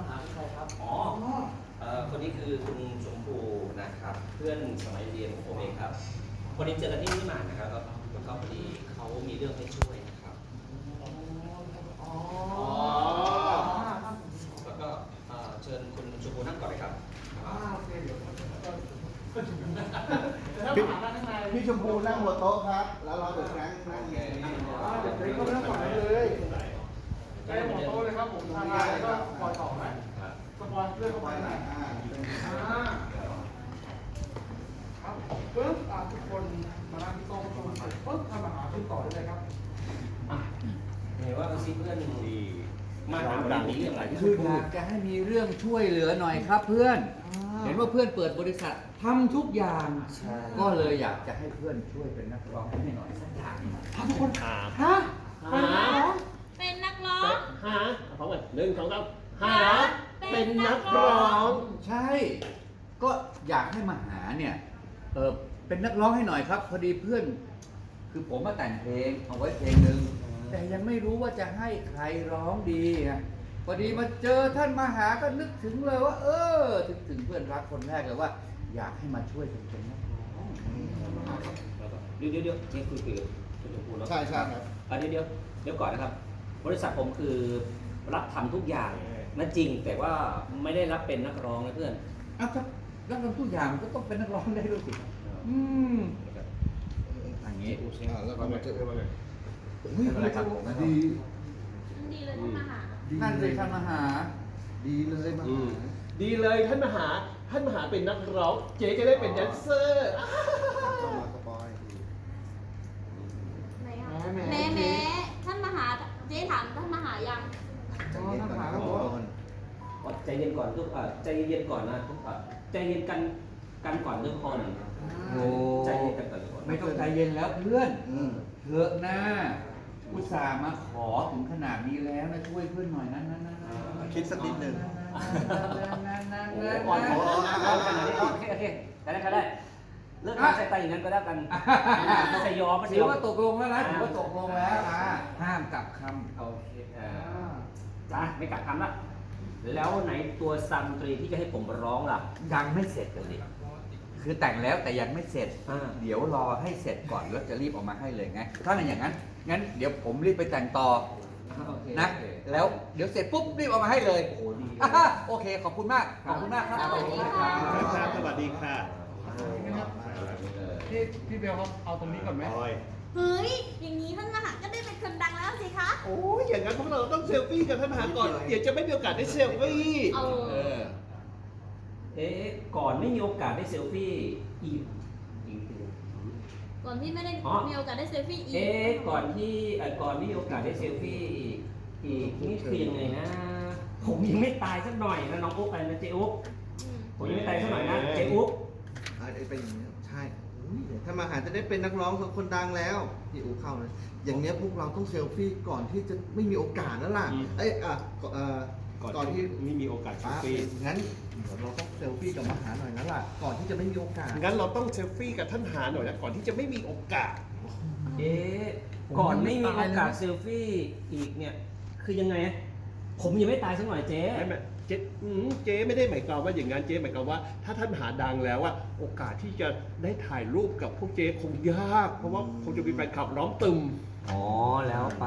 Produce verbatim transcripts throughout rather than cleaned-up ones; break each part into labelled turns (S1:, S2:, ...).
S1: หาใครครับ
S2: อ๋อเอ่อคนนี้คือคุณชมพูนะครับเพื่อนสมัยเรียนของผมเองครับคนนี้เจอกันที่นี่มานะครับแล้วแล้วก็พอดีเขามีเรื่องให้ช่วยนะครับอ๋อแล้วก็เอ่อเชิญคุณชมพูนั่งก่อนเลยครับ
S3: พี่ชมพูนั่งหัวโต๊ะครับ แล้วเราเดือดแรงนั่งอย่างนี้
S1: เดี๋ยวนี้ก็เริ่มก่อนเลยใช้หัวโต๊ะเลยครับผมทำงานแล้วก็ปล่อยต่อไหมสปอยเรื่องเข้าไปหน่อยครับปึ๊บทุกคนมานั่งที่โต๊ะประชุมปึ๊บทำอาหารขึ้นต่อได้เลยครับ
S2: เห็นว่าซีเพื่อนดีมาถามดังนี้เรื่องอะไร
S4: คืออยากจะให้มีเรื่องช่วยเหลือหน่อยครับเพื่อน เห็นว่าเพื่อนเปิดบริษัททำทุกอย่าง ก็เลยอยากจะให้เพื่อนช่วยเป็นนักร้องให้หน่อยสักอย่าง
S1: ทุกคน
S5: หา
S1: ฮะเป็นนักร้อง
S6: เป็นนักร้อง
S5: หาพร้อมกันหนึ่งสองสามหาเป็นนักร้อง
S4: ใช่ ก็อยากให้มาหาเนี่ยเออเป็นนักร้องให้หน่อยครับ พอดีเพื่อน คือผมมาแต่งเพลงเอาไว้เพลงหนึ่งแต่ยังไม่รู้ว่าจะให้ใครร้องดีไงพอดีมาเจอท่านมาหาก็นึกถึงเลยว่า เออถึงถึงเพื่อนรักคนแรกเลยว่า อยากให้มาช่วยเป็นนักร้อง
S2: เดี๋ยวเดี๋ยวเดี๋ยวนี่คุยคุยกับคุณชมพูแล้ว
S3: ใช่ใช่ครับ
S2: เดี๋ยวเดี๋ยวเดี๋ยวก่อนนะครับ บริษัทผมคือรับทำทุกอย่างนั่นจริงแต่ว่าไม่ได้รับเป็นนักร้องนะเพื่อน
S4: อ้าวถ้านักร้องทุกอย่างก็ต้องเป็นนักร้องได้ด้วยสิอืมอย่างนี้
S3: อ่าแล้วก็มาเจอกันเลย
S4: ไม่เป็นไรครับผม
S3: ดี
S6: ดีเลยท่านมาหา
S4: ท่านเลยท่านมาหา
S3: ดีเลยมา
S5: อืมดีเลยท่านมหาท่านมหาเป็นนักร้องเจ๊จะได้เป็นแดนเซอร์
S3: เข้ามาสปอย
S6: ไหนอ่ะแม่แม่ท่านมาหาเจ๊ถามท่านมาหายัง
S3: ใจเย็นก่อนครับผม
S2: ใจเย็นก่อนทุกเอ่อใจเย็นก่อนนะทุกเอ่อใจเย็นกันกันก่อนทุกคน
S4: โอ้
S2: ใจเย็นกันก่อนทุกคน
S4: ไม่ต้องใจเย็นแล้วเพื่อน
S3: อืม
S4: เถอะนะอุตส่าห์มาขอถึงขนาดนี้แล้วนะช่วยเพื่อนหน่อยนะนะนะนะ
S3: คิดสักนิดหนึ่ง
S2: โอ้ก่อนขอเอาขนาดนี้โอเคโอเคได้ได้ได้เลิกทำใจตายอย่างนั้นก็แล้วกันไม่ใช่ยอมไม่ใช่
S4: ถื
S2: ย
S4: อ
S2: อม
S4: ว่าตกลงแล้วนะถือว่าตกลงแล้วอ่ะห้ามกลับค
S2: โอเคเอ่อจ้าไม่กลับคำละแล้วไหนตัวซัมตรีที่จะให้ผมร้องล่ะ
S4: ำยังไม่เสร็จเลยดิคือแต่งแล้วแต่ยังไม่เสร็จ
S2: อ่า
S4: เดี๋ยวรอให้เสร็จก่อนแล้วจะรีบออกมาให้เลยไงถ้าเป็นอย่างนั้น งั้นเดี๋ยวผมรีบไปแต่งต่อ
S2: โอเค
S4: นะ แล้วเดี๋ยวเสร็จปุ๊บรีบออกมาให้เลย
S2: โอ้ดี
S4: อ่าโอเค ขอบคุณมาก ขอบคุณมากครับ
S6: สวัสดีค่ะ
S5: ครับสวัสดีค่ะ
S1: พี่พี่เบลครับเอาตรงนี้ก่อนไหม
S5: ออย
S6: เฮ้ย อย่างนี้ท่านมาหาก็ได้เป็นคนดังแล้วสิคะ
S5: โอ้ยอย่างนั้นพวกเราต้องเซลฟี่กับท่านมหาก่อนเดี๋ยวจะไม่มีโอกาสได้เซลฟี่
S6: เออ
S5: เออ
S2: เอ๊ะก่อนไม่มีโอกาสได้เซลฟี่อีกอีกที
S6: ก่อนที่ไม่ได้
S2: อ๋อ
S6: มีโอกาสได้เซลฟี่อีก
S2: เอ๊ะก่อนที่เอ่อก่อนไม่มีโอกาสได้เซลฟี่อีกอีกนี่คือยังไงนะ ผมยังไม่ตายสักหน่อยนะน้องอุ๊บอะไรนะเจ๊อุ๊บ
S6: อืม
S2: ผมยังไม่ตายสักหน่อยนะเจ๊อุ๊บ
S3: อ่าเป็นอย่างนี้ใช่ถ้ามาหาจะได้เป็นนักร้องคนดังแล้วพี่อู๋เข้าเลยอย่างเนี้ยพวกเราต้องเซลฟี่ก่อนที่จะไม่มีโอกาสแล้วล่ะเอ้ยอ่ะเอ่อก่อนที่
S5: ไม่มีโอกาสเซล
S3: ป้า
S5: ฟี่
S3: งั้นเดี๋ยวเราต้องเซลฟี่กับมหาหน่อยนะล่ะก่อนที่จะไม่มีโอกาส
S5: งั้นเราต้องเซลฟี่กับท่านมหาหน่อยนะก่อนที่จะไม่มีโอกาส
S2: เอ๊ะก่อนไม่มีโอกาสเซลฟี่อีกเนี่ยคือยังไงอะผมยังไม่ตายสักหน่อยเจ๊
S5: ไม่ไม่เจ๊อืมเจ๊ไม่ได้หมายความว่าอย่างนั้นเจ๊หมายความว่าถ้าท่านมหาดังแล้วอะโอกาสที่จะได้ถ่ายรูปกับพวกเจ๊คงยาก เพราะว่าคงจะมีแฟนคลับล้อมตึม
S2: อ๋อแล้วไป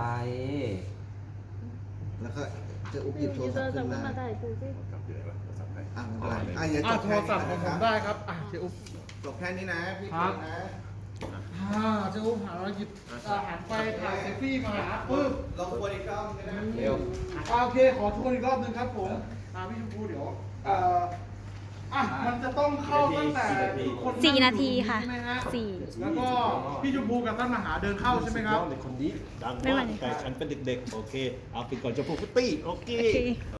S3: แล้วก็จะอุบหยิบโทรศัพท์ขึ้นมา
S5: จับอยู่ไหนวะโทรศัพท์ไหน
S3: อ่ะไม่เป็นไรอ่ะอย่า
S1: อ่ะ
S3: จบ
S1: โท
S3: แค่
S1: รศัพท์ของผมได้ครับอ่ะเจ๊อุ๊บ
S3: จบแค่นี้นะพี่
S1: ครั
S3: เก่
S1: บ
S3: งนะ
S1: อ่าเจ๊อุ๊บหาเราหยิบอาหารไปถ่ายเซลฟี่มาหาปึ๊บ
S3: ลองวนอีกรอบนึงนะ
S5: เร็ว
S1: อ่าโอเคขอทวนอีกรอบนึงครับผมอ่าพี่ชมพูเดี๋ยวเอ่ออ่ะมันจะต้องเข้าตั้งแต่คน
S6: สี่นาทีค่ะ
S1: ใช่ไหมฮะ
S6: สี่
S1: แล้วก็พี่ชมพูกับท่านมหาเดินเข้าใช่ไหมครับ
S5: สุดยอดเลยคนนี้ดัง
S6: ไม่ไหว
S5: มากแต่ฉันเป็นเด็กๆ โอเค เอาไปก่อนจะพูดฟุตตี้ โอเค
S6: โอเค